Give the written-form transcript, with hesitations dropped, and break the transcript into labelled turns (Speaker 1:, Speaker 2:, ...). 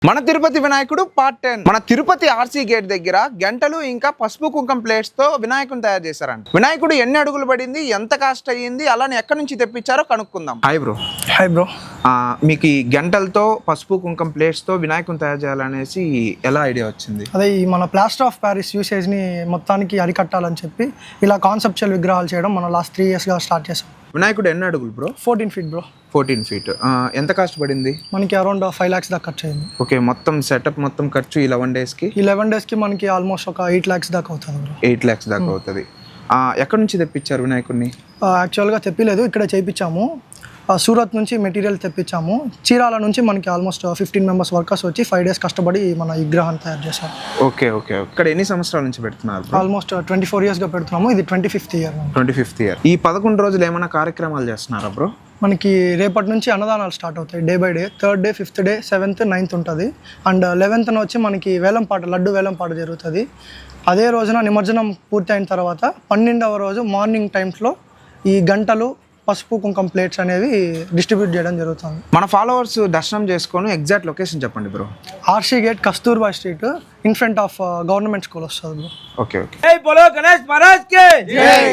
Speaker 1: మన తిరుపతి వినాయకుడు పార్ట్ 10 మన తిరుపతి ఆర్సీ గేట్ దగ్గర గంటలు ఇంకా పసుపు కుంకం ప్లేట్స్ తో వినాయకుని తయారు చేశారంట. వినాయకుడు ఎన్ని అడుగులు పడింది, ఎంత కాస్ట్ అయ్యింది, అలానే ఎక్కడి నుంచి తెప్పించారో కనుక్కుందాం. Hi bro. మీకు ఈ గంటలతో పసుపు కుంకం ప్లేట్స్ తో వినాయకుని తయారు చేయాలనేసి ఎలా ఐడియా వచ్చింది?
Speaker 2: అదే మన ప్లాస్టర్ ఆఫ్ ప్యారిస్ యూసేజ్ ని మొత్తానికి అరికట్టాలని చెప్పి ఇలా కాన్సెప్చువల్ విగ్రహాలు చేయడం మనం లాస్ట్ 3 years గా స్టార్ట్ చేసాం.
Speaker 1: వినాయకుడు ఎన్ని అడుగులు బ్రో?
Speaker 2: 14 feet bro.
Speaker 1: 14 feet. ఎంత కాస్ట్ పడింది?
Speaker 2: మనకి అరౌండ్ 5 lakhs దాకా ఖర్చు అయింది.
Speaker 1: ఓకే, మొత్తం సెటప్ మొత్తం ఖర్చు ఈ 11 days కి?
Speaker 2: ఈ 11 days కి మనకి ఆల్మోస్ట్ ఒక 8 lakhs దాకా అవుతుంది బ్రో.
Speaker 1: 8 lakhs దాకా అవుతుంది. ఎక్కడి నుంచి తెప్పించారు వినాయకుడిని?
Speaker 2: యాక్చువల్గా తెప్పిలేదు, ఇక్కడ చేయించాము. సూరత్ నుంచి మెటీరియల్ తెప్పించాము. చీరాల నుంచి మనకి ఆల్మోస్ట్ 15 members వర్కర్స్ వచ్చి 5 days కష్టపడి మన విగ్రహాన్ని తయారు చేశారు.
Speaker 1: ఓకే. ఇక్కడ ఎన్ని సంవత్సరాల నుంచి పెడుతున్నారు?
Speaker 2: ఆల్మోస్ట్ 24 years గా పెడుతున్నాము. ఇది 25th year.
Speaker 1: 25th year. ఈ 11 రోజులు ఏమైనా కార్యక్రమాలు చేస్తున్నారా బ్రో?
Speaker 2: మనకి రేపటి నుంచి అన్నదానాలు స్టార్ట్ అవుతాయి day by day. 3rd day, 5th day, 7th, 9th ఉంటుంది. అండ్ 11th వచ్చి మనకి వేలంపాట, లడ్డు వేలంపాట జరుగుతుంది. అదే రోజున నిమజ్జనం పూర్తి అయిన తర్వాత 12వ రోజు మార్నింగ్ టైమ్స్లో ఈ గంటలు పసుపు కుంకం ప్లేట్స్ అనేవి డిస్ట్రిబ్యూట్ చేయడం జరుగుతుంది.
Speaker 1: మన ఫాలోవర్స్ దర్శనం చేసుకొని ఎగ్జాక్ట్ లొకేషన్ చెప్పండి bro.
Speaker 2: RC gate, Kasturba street, in front of government school వస్తుంది బ్రో.
Speaker 1: ఓకే.
Speaker 3: జై బోలో గణేష్ మహారాజ్ కి జై.